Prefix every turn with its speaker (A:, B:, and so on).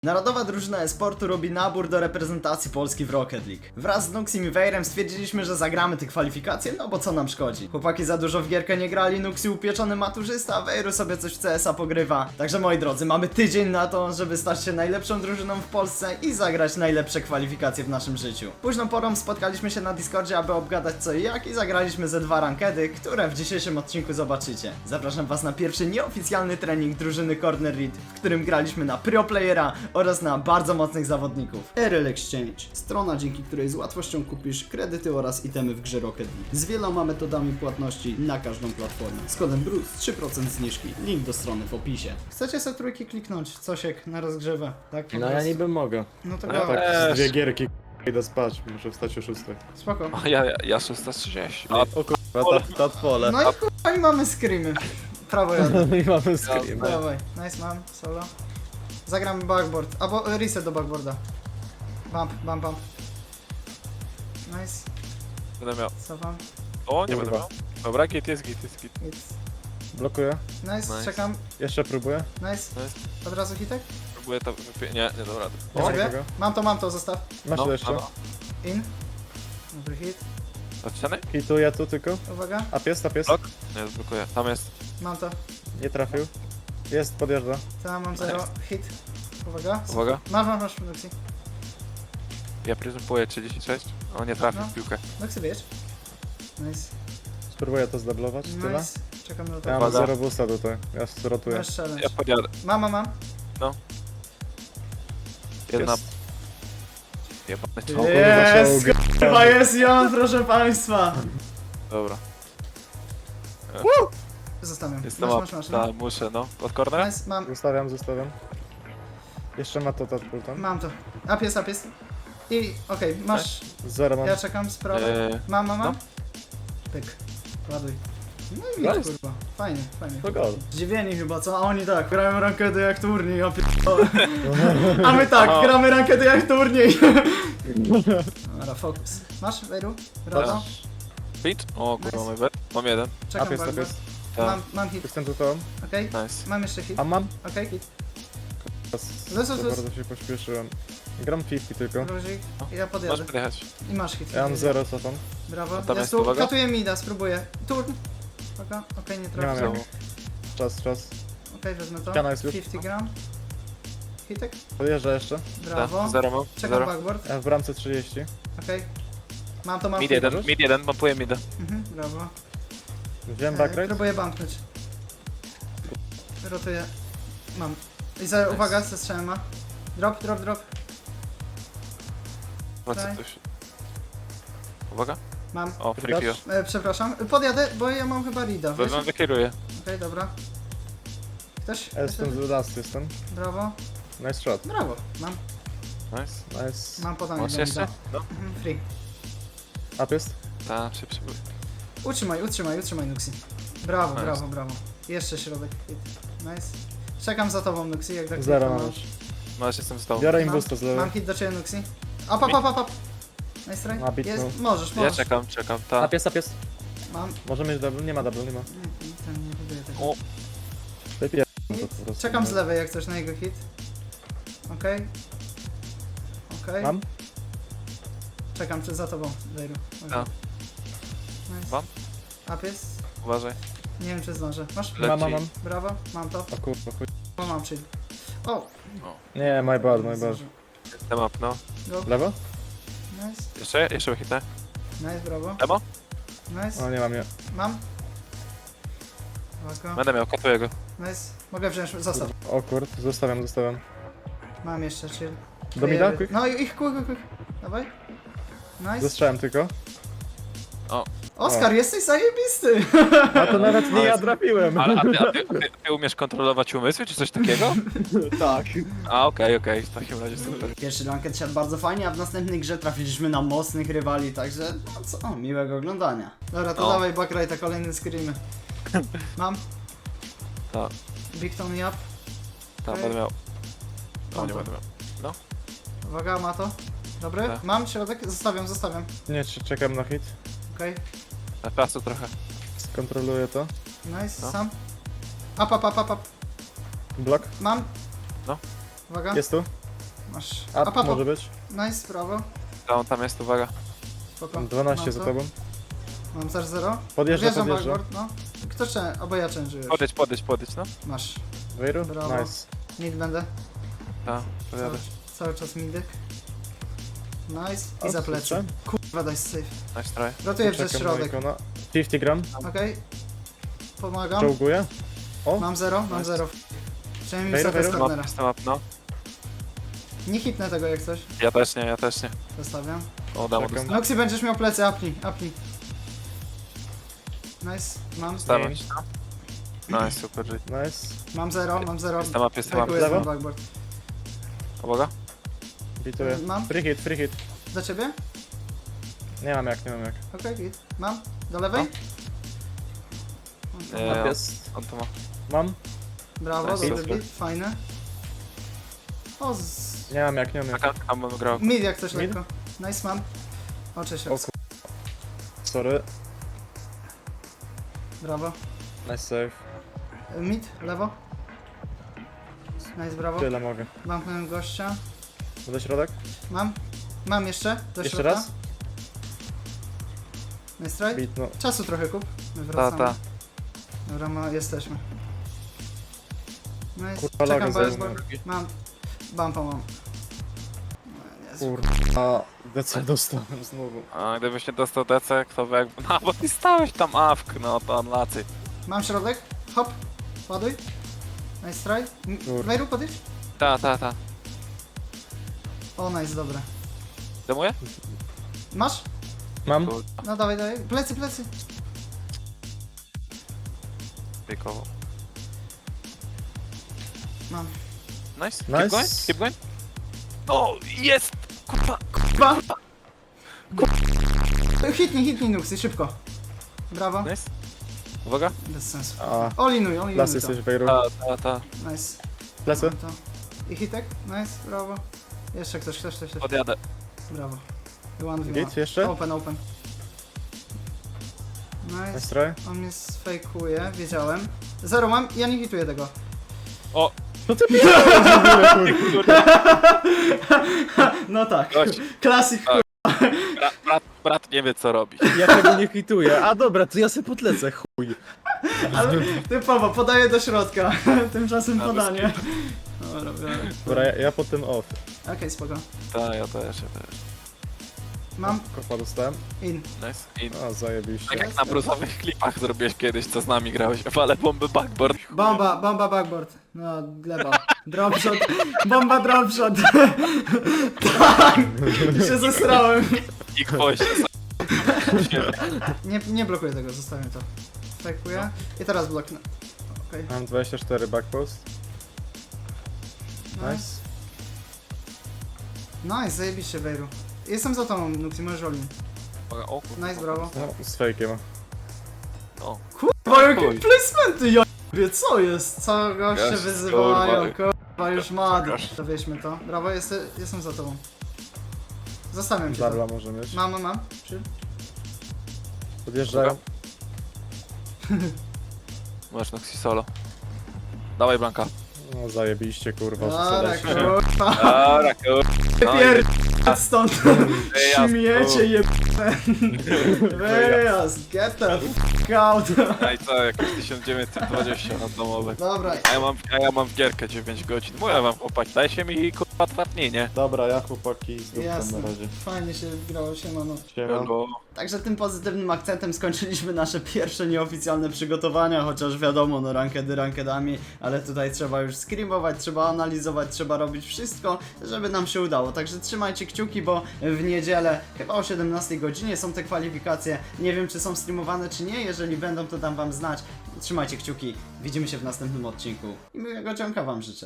A: Narodowa drużyna e-sportu robi nabór do reprezentacji Polski w Rocket League. Wraz z Nuxim i Wejrem stwierdziliśmy, że zagramy te kwalifikacje, no bo co nam szkodzi. Chłopaki za dużo w gierkę nie grali, Nuxi upieczony maturzysta, a Wejru sobie coś w CS-a pogrywa. Także moi drodzy, mamy tydzień na to, żeby stać się najlepszą drużyną w Polsce i zagrać najlepsze kwalifikacje w naszym życiu. Późną porą spotkaliśmy się na Discordzie, aby obgadać co i jak i zagraliśmy ze 2 rankedy, które w dzisiejszym odcinku zobaczycie. Zapraszam was na pierwszy nieoficjalny trening drużyny Corner Read, w którym graliśmy na pro playera oraz na bardzo mocnych zawodników. RL Exchange, strona, dzięki której z łatwością kupisz kredyty oraz itemy w grze Rocket League. Z wieloma metodami płatności na każdą platformę. Z kodem BRUCE 3% zniżki. Link do strony w opisie. Chcecie sobie trójki kliknąć? Cosiek na rozgrzewę, tak? Po
B: No ja
A: prostu.
B: niby mogę.
A: No to
B: Ja
A: dawaj.
B: tak.
C: Dwie gierki, idę spać, muszę wstać o 6.
A: Spoko.
D: Ja 630.
C: O kurwa, ta pole.
A: No i kurwa, i mamy screamy. Prawo jadę.
B: I mamy screen.
A: Dawaj. Nice mam, solo. Zagramy backboard, albo reset do backboarda. Bump, bump, bump. Nice,
D: Będę miał.
A: cofam.
D: O, nie
C: Kurwa.
D: będę miał. Dobra, git jest git.
A: Hit.
C: Blokuję.
A: Nice,
D: Nice.
A: czekam.
C: Jeszcze próbuję.
A: Nice. Od razu hitek?
D: Próbuję to nie dobra.
A: Ja
C: O,
A: ciebie?
C: mogę.
A: Mam to, zostaw.
C: Masz
D: No,
C: jeszcze.
A: In. Dobry hit.
D: Od ściany?
C: Hituję tu tylko.
A: Uwaga.
C: A pies.
D: Blok? Nie, zblokuję. Tam jest.
A: Mam to.
C: Nie trafił. Jest, podjeżdża.
A: Tam mam 0. Hit. Uwaga.
D: Uwaga.
A: Masz, Noxy.
D: Ja prezentuję 36. O, nie trafił
A: No.
D: w piłkę.
A: Noxy, wiesz? Nice.
C: Spróbuję to zdeblować. Tyle.
A: Nice. Czekam na
C: Ja
A: to.
C: mam
D: Uwaga.
C: 0 boosta tutaj. Ja zrotuję.
A: Masz challenge.
D: Ja podjadę.
A: Mam.
D: Jedna.
C: Jest.
D: Jebany
C: O
D: czołg.
C: kurwa,
A: Jest,
C: czołg.
A: chyba jest i on, proszę państwa.
D: Dobra.
A: Zostawiam.
D: Jestem
A: Masz. No.
D: Tak, muszę, no. Od cornera?
A: Nice, mam.
C: Zostawiam. Jeszcze ma to tam.
A: Mam to. Up jest. I okej, masz.
C: 0 mam.
A: Ja czekam, sprawę. Mam.
D: no.
A: Pyk. Ładuj. No i nic,
C: Nice.
A: kurwa. Fajnie.
C: To gol.
A: Zdziwieni chyba, co? A oni tak, grają rankedy jak turniej, ja pierdolę. A my tak,
D: O.
A: gramy rankedy jak turniej. Dobra, focus. Masz, Wejru? Brawo.
D: Beat? O, kurwa,
A: Nice.
D: mój bet. Mam jeden.
A: Czekam
C: Up jest,
A: bardzo.
D: Tak.
A: Mam hit,
C: Jestem tu to.
A: okej?
D: Nice.
A: Mam jeszcze hit,
C: A mam.
A: okej, hit.
C: Za
A: Luz.
C: bardzo się pośpieszyłem. Gram 50 tylko.
A: Luzik. I ja
D: Możesz
A: podjadę.
D: podjechać.
A: I masz hit.
C: Ja mam 0 cofam.
A: Brawo.
D: A tam
A: Ja
D: jest,
A: tu
D: uwaga.
A: katuję mida, spróbuję. Turn. Uwaga, okej, nie
C: Nie
A: trafię.
C: mam
D: Znowu.
C: Czas.
A: Okej, wezmę to.
C: Ściana jest już.
A: 50 gram. Hitek.
C: Podjeżdża jeszcze.
A: Brawo.
D: Zero mam.
A: Czekam
D: Zero.
A: backboard.
C: Ja w bramce 30.
A: Okej. Mam to, mam
D: Mid
A: hit.
D: jeden, mid jeden, pompuję mida.
A: Brawo.
C: Wziąłem backrate.
A: Próbuję bumpnąć. Rotuję. Mam. I uwaga, ze strzałem ma. Drop.
D: Po co
A: Daj.
D: coś? Uwaga.
A: Mam.
D: O, free kill.
A: Przepraszam. Podjadę, bo ja mam chyba reada. Wiesz?
D: Wezmę, wykieruję.
A: Okej, dobra. Ktoś?
C: Jestem z last jestem.
A: Brawo.
C: Nice shot.
A: Brawo. Mam.
D: Nice.
C: Nice.
A: Mam podanie.
D: Masz
A: do
D: jeszcze?
A: mida.
D: No.
A: Free.
C: Up jest.
D: Tak, szybciej.
A: Utrzymaj, Nuxi. Brawo,
D: Nice.
A: brawo. Jeszcze środek. Nice. Czekam za tobą, Nuxi, jak tak
C: 0
A: tylko
C: mam już.
D: No, już jestem z tobą.
C: Biorę im
A: Mam-
C: boosta z lewej.
A: Mam hit do ciebie, Nuxi. Up. Nice try.
C: Ma bit,
A: Jest,
C: no.
A: możesz.
D: Ja czekam, tak.
C: Up jest.
A: Mam.
C: Może mieć double? Nie ma double, nie ma.
A: Ten nie buduje tego.
D: O,
C: Wypier...
A: Hit. Czekam z lewej jak coś na jego hit. Okej.
C: Mam?
A: Czekam za tobą, Wejru.
D: Tak.
A: Nice.
D: Mam?
A: Up jest.
D: uważaj.
A: Nie wiem czy zdążę. Masz?
D: Le-
C: Mam.
A: Brawo, mam to.
C: O kurwa, chuj.
A: Mam chill. O!
C: Nie, my bad.
A: zdążę.
D: Jestem up, no.
A: Go.
C: Lewo?
A: Nice.
D: Jeszcze hitnę.
A: Nice, brawo.
D: Demo?
A: Nice.
C: O, nie mam, nie.
A: Mam. Uwaga.
D: Będę miał, katuję go.
A: Nice. Mogę wziąć, zostaw.
C: O kur, zostawiam.
A: Mam jeszcze chill.
C: Do mida? Quick?
A: No i quick. Dawaj. Nice.
C: Zastrzałem tylko.
A: Oskar, jesteś zajebisty!
C: A to nawet nie ja trafiłem.
D: Ale ty umiesz kontrolować umysły, czy coś takiego?
C: Tak.
D: A, okej, w takim razie super.
A: Pierwszy ranket siadł bardzo fajnie, a w następnej grze trafiliśmy na mocnych rywali, także no co, miłego oglądania. Dobra, to
D: O.
A: dawaj backright'a, kolejny screamy. Mam.
D: Tak.
A: Big Tony up.
D: Tam
A: Okej.
D: będę miał. No,
A: Mam
D: nie
A: to.
D: będę miał.
A: Uwaga, ma to. Dobry,
D: Tak.
A: mam środek, zostawiam.
C: Nie, czekam na hit.
A: Okej,
D: Na placu trochę.
C: Skontroluję to.
A: nice,
D: No.
A: sam. Up.
C: Blok.
A: Mam.
D: No.
A: Uwaga.
C: Jest tu.
A: Masz.
C: Up może być.
A: Nice, prawo.
D: Tam jest, uwaga.
A: Spoko.
C: Mam 12
A: Mam
C: za
A: to.
C: tobą.
A: Mam też 0.
C: Podjeżdża.
A: Backboard, no. Kto albo ja change'ujesz.
D: Podejdź, no.
A: Masz.
C: Wejru?
A: Brawo.
C: Nice.
A: Mid będę.
D: Tak, pojadę.
A: Cały czas midek. Nice. I
C: O,
A: za plecy.
C: słyszę.
A: Kurwa, daj safe.
D: Nice try.
A: Rotuję przez
C: Czekam na
A: środek.
C: ikona. 50 gram.
A: Okej. Pomagam.
C: Czołguję. O,
A: Mam 0, mam
D: Nice.
A: 0. Przynajmniej
C: Wejro,
A: wysoko z
C: wejro.
A: cornera.
D: Jestem up, no.
A: Nie hitnę tego jak coś.
D: Ja też nie.
A: Zostawiam.
D: O, dam
C: Czekam.
D: mu
A: Noxy, będziesz miał plecy, apnij. Nice. Mam.
D: dostawać, no. Nice, super, G.
C: nice.
A: Mam 0, mam 0.
D: Jestem up.
A: Fejkuję
C: Lewo?
A: ten backboard.
D: Uwaga.
C: Bituję.
A: Mam.
C: Free hit.
A: Do ciebie?
C: Nie mam jak.
A: Okej, git. Mam. Do lewej?
D: Nie,
C: Up jest.
D: on to ma.
C: Mam.
A: Brawo,
D: Nice,
A: dobry
D: super.
A: beat, fajne. O,
C: Nie mam jak.
D: Czekam, bym grał.
A: mid jak coś
C: Mid?
A: lekko. Nice, mam. O, cześć,
C: O
A: Ox.
C: Sorry.
A: Brawo.
C: Nice save.
A: Mid, lewo. Nice, brawo.
C: Tyle mogę.
A: Mam gościa.
C: Do środek?
A: Mam jeszcze. Do
C: Jeszcze
A: środka.
C: raz?
A: Nice try.
C: Beat, no.
A: Czasu trochę kup. My wracamy.
D: Ta.
A: Dobra, jesteśmy. Nice.
C: Kurwa,
A: Czekam,
C: lagę
A: bo jest
C: zajmę.
A: Mam. Bumpa mam. No, nie,
C: Kurwa. DC dostałem znowu.
D: A gdybyś nie dostał DC, to by jakby... No, bo ty stałeś tam awk, no to on lacy.
A: Mam środek. Hop. Ładuj. Nice try.
C: Kur-
A: Wejru, podejdź.
D: Ta.
A: O, nice, dobre.
D: Demuję?
A: Masz?
C: Mam.
A: No dawaj. Plecy.
D: Pikowo.
A: Mam.
D: Nice.
C: Nice.
D: Keep going. O, jest! Kurwa.
A: Ba! Hitnij, Nuxy, szybko. Brawo.
D: Nice. Uwaga.
A: Bez sensu.
C: A,
A: Olinuj
C: las
A: to.
C: jesteś Wejru.
D: Ta.
A: Nice.
C: Plecy?
A: Mam to. I hitek? Nice, brawo. Jeszcze ktoś.
D: Podjadę.
A: Brawo. One v
C: Git jeszcze?
A: Open.
C: Nice
A: Nice.
C: try.
A: On mnie sfejkuje, wiedziałem. 0 mam, ja nie hituję tego.
D: O!
C: No ty p***ł,
A: No tak.
D: Gość.
A: Klasyk.
D: Tak. Brat nie wie co robi.
C: Ja tego nie hituję. A dobra, to ja se podlecę, chuj.
A: Ale typowo, podaję do środka. Tymczasem
D: A,
A: podanie. Dobra, biorę.
C: Dobra, ja potem off.
A: Okej, spoko.
D: Ta, ja też.
A: Mam
C: Kopa dostałem.
A: in.
D: Nice. I
C: A, zajebiście.
D: tak jak na brusowych klipach zrobiłeś kiedyś, co z nami grałeś, ale bomby backboard.
A: Bomba backboard. No, gleba. Dropshot. Bomba dropshot. Tak. Się zesrałem.
D: I gwoździe.
A: Nie blokuję tego, zostawię to. Fejkuję. I teraz bloknę. Okej.
C: Mam 24 backpost.
A: Nice. Nice, zajebiście Wejru. Jestem za tobą, Nuxi, możesz rolling.
D: O kurwa.
A: Nice, brawo.
C: No, z fejkiem.
D: O.
A: Kurwa, jakie
D: Chuj.
A: placementy, ja co jest? Co goście
D: Jest,
A: wyzywają,
D: kurwa.
A: kurwa, już mady.
D: Pokaż.
A: To wieźmy to. Brawo, jestem za tobą. Zostawiam cię
C: Darla
A: to.
C: może mieć.
A: Mam. Chill.
C: Podjeżdżają.
D: Masz Noxy solo. Dawaj Blanka.
C: No zajebiście, kurwa, że
A: Dobra,
C: sobie
A: kurwa.
D: Dobra, kurwa. No
A: Pierd... stąd.
D: Wyjazd,
A: Śmiecie jebane. Wyjazd, get the fuck out.
D: No i co, jakieś 1920 na domowe.
A: Dobra,
D: A ja mam w gierkę 9 godzin. Mówię wam chłopaki, dajcie mi kurwa twardnienie.
C: Dobra, ja chłopaki z dupką
A: jasne.
C: na razie.
A: Fajnie się grało, siemano.
C: Siema.
D: Bo
A: Także tym pozytywnym akcentem skończyliśmy nasze pierwsze nieoficjalne przygotowania, chociaż wiadomo, no rankedami, ale tutaj trzeba już screamować, trzeba analizować, trzeba robić wszystko, żeby nam się udało. Także trzymajcie kciuki, bo w niedzielę, chyba o 17 godzinie są te kwalifikacje. Nie wiem, czy są streamowane, czy nie. Jeżeli będą, to dam wam znać. Trzymajcie kciuki, widzimy się w następnym odcinku i miłego dzionka wam życzę.